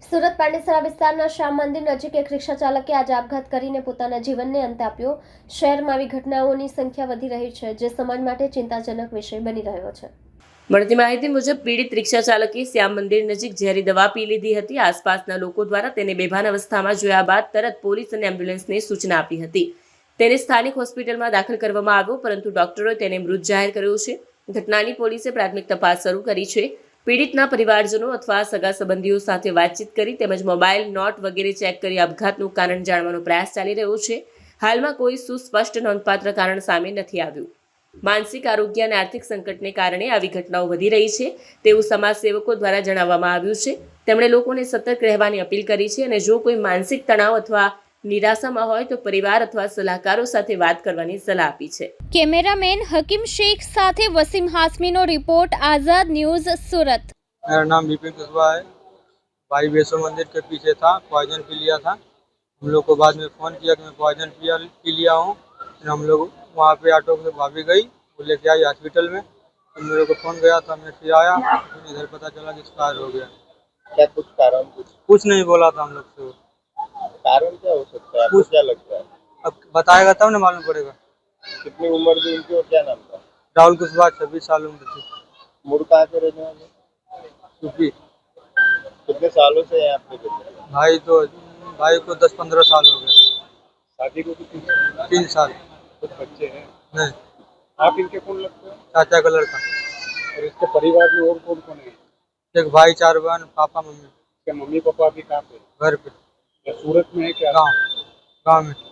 સુરત પાંડેસરા વિસ્તારના શ્યામ મંદિર નજીક એક રિક્ષા ચાલકે આજે આપઘાત કરીને પોતાના જીવનને અંત આપ્યો। શહેરમાં આવી ઘટનાઓની સંખ્યા વધી રહી છે, જે સમાજ માટે ચિંતાજનક વિષય બની રહ્યો છે। મળતી માહિતી મુજબ પીડિત રિક્ષા ચાલકે શ્યામ મંદિર નજીક ઝેરી દવા પી લીધી હતી। આસપાસના લોકો દ્વારા તેને બેભાન અવસ્થામાં જોયા બાદ તરત પોલીસ અને એમ્બ્યુલન્સને સૂચના આપી હતી। તેને સ્થાનિક હોસ્પિટલમાં દાખલ કરવામાં આવ્યો, પરંતુ ડોક્ટરોએ તેને મૃત જાહેર કર્યો છે। ઘટનાની પોલીસે પ્રાથમિક તપાસ શરૂ કરી છે। પીડિતના પરિવારજનો અથવા સગા સંબંધીઓ સાથે વાતચીત કરી તેમજ મોબાઈલ, નોટ વગેરે ચેક કરી આપઘાતનું કારણ જાણવાનો પ્રયાસ ચાલી રહ્યો છે। હાલમાં કોઈ સુસ્પષ્ટ નોંધપાત્ર કારણ સામે નથી આવ્યું। માનસિક આરોગ્ય અને આર્થિક સંકટને કારણે આવી ઘટનાઓ વધી રહી છે તેવું સમાજસેવકો દ્વારા જણાવવામાં આવ્યું છે। તેમણે લોકોને સતર્ક રહેવાની અપીલ કરી છે અને જો કોઈ માનસિક તણાવ અથવા નિરાશામાં હોય તો પરિવાર અથવા સલાહકારો સાથે વાત કરવાની સલાહ આપી છે। कैमरामैन हकीम शेख साथे वसीम हाशमी नो रिपोर्ट, आजाद न्यूज, सूरत। मेरा नाम विपिन कुशवाहा है। भाई वैष्णो मंदिर के पीछे था, पॉइजन पी लिया था। हम लोग को बाद में फ़ोन किया कि मैं पॉइजन पी लिया हूँ। फिर हम लोग वहाँ पे ऑटो से भाभी गई, वो लेके आई हॉस्पिटल में। तो मेरे को फ़ोन गया था, मैं फिर आया, फिर इधर पता चला कि एक्सपायर हो गया। क्या कुछ कारण कुछ नहीं बोला था हम लोग से। कारण क्या हो सकता है, आपको क्या लगता है? अब बताएगा तब ना मालूम पड़ेगा। कितनी उम्र थी उनकी और क्या नाम था? राहुल कुशवाहा 26 साल उम्र थी। मूड कहाँ के रहने वाले? यूपी। कितने सालों से यहाँ पे रहते हैं? भाई को 10-15 साल हो गए। शादी को कितने? 3 साल। कुछ बच्चे हैं? नहीं। आप इनके कौन लगते हैं? चाचा का लड़का। और इसके परिवार में और कौन कौन है? एक भाई, 4 बहन, पापा मम्मी। क्या मम्मी पापा भी कहाँ पे? घर पे। या सूरत में है क्या? गाँव में।